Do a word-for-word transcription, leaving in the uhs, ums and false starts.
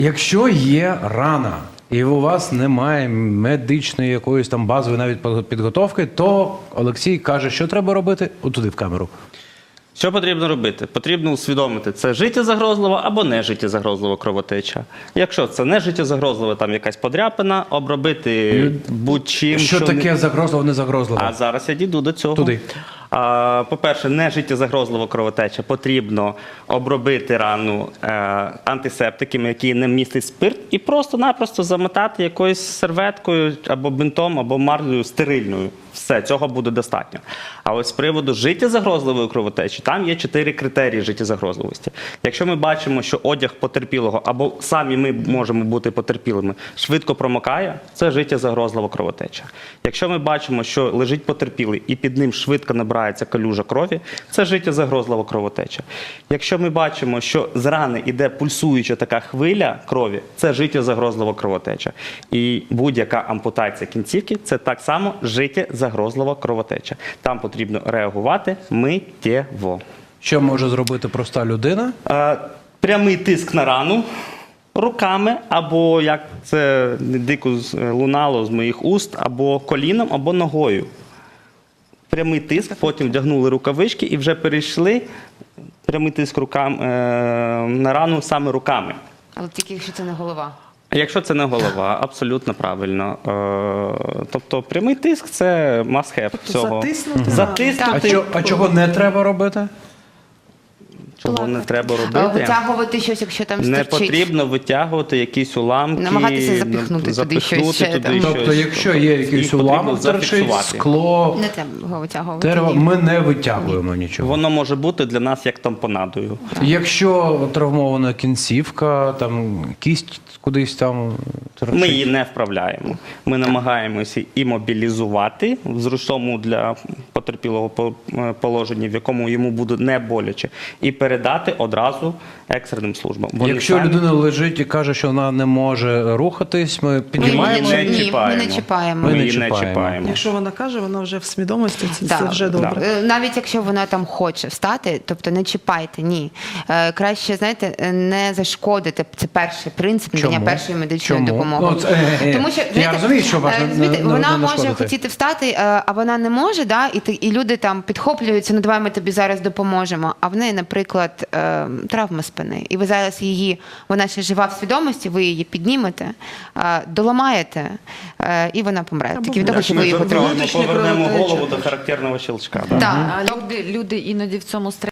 Якщо є рана, і у вас немає медичної якоїсь там базової навіть підготовки, то Олексій каже, що треба робити? Отуди в камеру. Що потрібно робити? Потрібно усвідомити, це життєзагрозлива або не життєзагрозлива кровотеча. Якщо це не життєзагрозлива, там якась подряпина, обробити будь-чим. Що, що таке не... загрозливо, не загрозливо? А зараз я дійду до цього. Туди. По-перше, не життєзагрозлива кровотеча. Потрібно обробити рану е, антисептиками, які не містять спирт, і просто-напросто замотати якоюсь серветкою або бинтом, або марлею стерильною. Все, цього буде достатньо. А ось з приводу життєзагрозливої кровотечі, там є чотири критерії життєзагрозливості. Якщо ми бачимо, що одяг потерпілого, або самі ми можемо бути потерпілими, швидко промокає, це життєзагрозлива кровотеча. Якщо ми бачимо, що лежить потерпілий і під ним швидко набирається калюжа крові, це життєзагрозлива кровотеча. Якщо ми бачимо, що з рани йде пульсуюча така хвиля крові, це життєзагрозлива кровотеча. І будь-яка ампутація кінцівки – це так само життєзагрозлива кровотеча. Там потрібно реагувати миттєво. Що може зробити проста людина? Е, прямий тиск на рану руками, або, як це дико лунало з моїх уст, або коліном, або ногою. Прямий тиск, потім вдягнули рукавички і вже перейшли прямий тиск рукам, е, на рану саме руками. Але тільки якщо це не голова. Якщо це не голова, абсолютно правильно. Е, тобто прямий тиск – це must-have всього. Затиснути. Затиснути. А, чо, а чого не треба робити? Чого не треба А робити? витягувати щось, якщо там Не стерчить. потрібно витягувати якісь уламки. Намагатися запихнути туди щось ще, туди там. щось. Тобто, якщо є якийсь Їх потрібно уламок, торчить, зафіксувати. скло, Не треба його витягувати. дерево, Ні. ми не витягуємо нічого. Воно може бути для нас як тампонадою. Якщо травмована кінцівка, там кість кудись там торчить. Ми її не вправляємо. Ми намагаємося імобілізувати в зручному для потерпілого по- положенні, в якому йому буде не боляче, і передати одразу екстреним службам. Вони Якщо самі- людина лежить і каже, що вона не може рухатись, ми Ми піднімаємо. не її не, ні, ми чіпаємо. не чіпаємо. Ми не її не чіпаємо. чіпаємо. Якщо вона каже, вона вже в свідомості, це, Да. це вже добре. Е, Навіть якщо вона там хоче встати, тобто не чіпайте, ні. Е, Краще, знаєте, е, не зашкодити. Це перший принцип надання Чому? першої медичної Чому? допомоги. Ну, це, е, е, Тому що, я знаєте, розумію, що важно е, знаєте, не- не- вона не може нашкодити. хотіти встати, е, а вона не може, да? і, ти- і люди там підхоплюються, ну давай ми тобі зараз допоможемо. А в неї, наприклад, е, травма спини. І ви зараз її, вона ще жива в свідомості, ви її піднімете, е, доламаєте, е, і вона помре. Або Тільки від того, Як що ми ви її повернемо, потрібно. Внутрішня повернемо кровотеча. голову до характерного щелчка. Да? Так. А люди, люди іноді в цьому